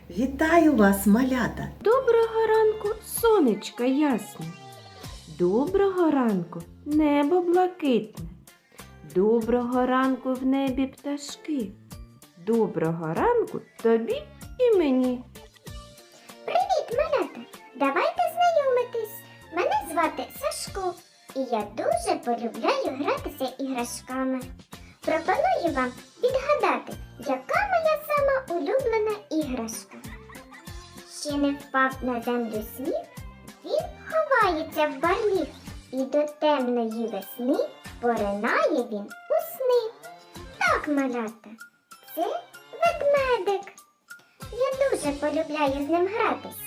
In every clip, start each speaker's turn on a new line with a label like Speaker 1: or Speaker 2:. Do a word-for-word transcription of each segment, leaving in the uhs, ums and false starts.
Speaker 1: Вітаю вас, малята!
Speaker 2: Доброго ранку, сонечко ясне. Доброго ранку, небо блакитне. Доброго ранку в небі пташки. Доброго ранку тобі і мені.
Speaker 3: Привіт, малята! Давайте знайомитись. Мене звати Сашко, і я дуже полюбляю гратися іграшками. Пропоную вам відгадати, яка моя сама улюблена іграшка. Ще не впав на землю сніг, він ховається в барліг, і до темної весни поринає він у сни. Так, малята, це ведмедик. Я дуже полюбляю з ним гратися.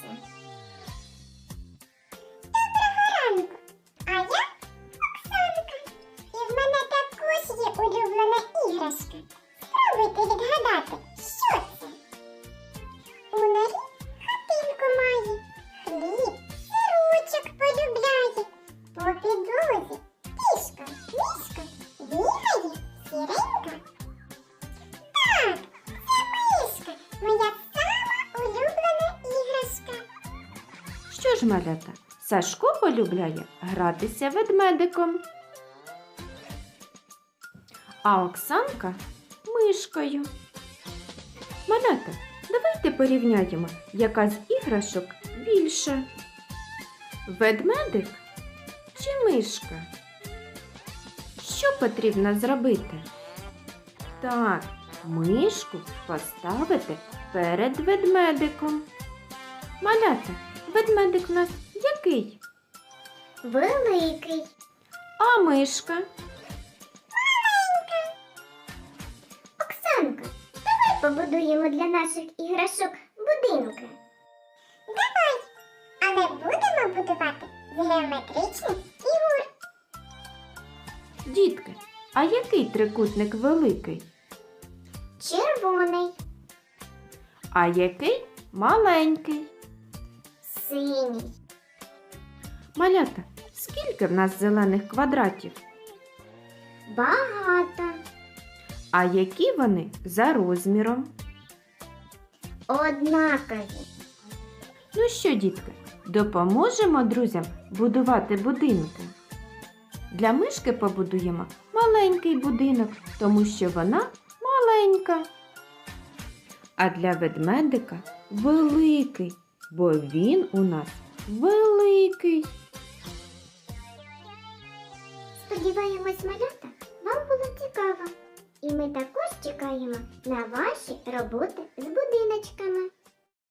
Speaker 3: Доброго ранку! А я Оксанка. І в мене також є улюблена іграшка. Спробуйте відгадати, що це? У норі хатинку має, хліб, сирочок полюбляє. По підлозі кішка, мішка, бігає сіренька. Так, це мишка, моя сама улюблена іграшка.
Speaker 2: Що ж, малята, Сашко полюбляє гратися ведмедиком, а Оксанка мишкою. Малята, давайте порівняємо, яка з іграшок більше. Ведмедик чи мишка? Що потрібно зробити? Так, мишку поставити перед ведмедиком. Малята, ведмедик у нас який?
Speaker 3: Великий.
Speaker 2: А мишка?
Speaker 3: Оксанка, давай побудуємо для наших іграшок будинки. Давай, але будемо будувати з геометричних фігур.
Speaker 2: Дітки, а який трикутник великий?
Speaker 3: Червоний,
Speaker 2: А який маленький?
Speaker 3: синій,
Speaker 2: Малята, скільки в нас зелених квадратів?
Speaker 3: багато,
Speaker 2: А які вони за розміром?
Speaker 3: однакові.
Speaker 2: Ну що, дітки, допоможемо друзям будувати будинки? Для мишки побудуємо маленький будинок, тому що вона маленька. А для ведмедика великий, бо він у нас великий.
Speaker 3: Сподіваємось, малята, вам було цікаво. І ми також чекаємо на ваші роботи з будиночками.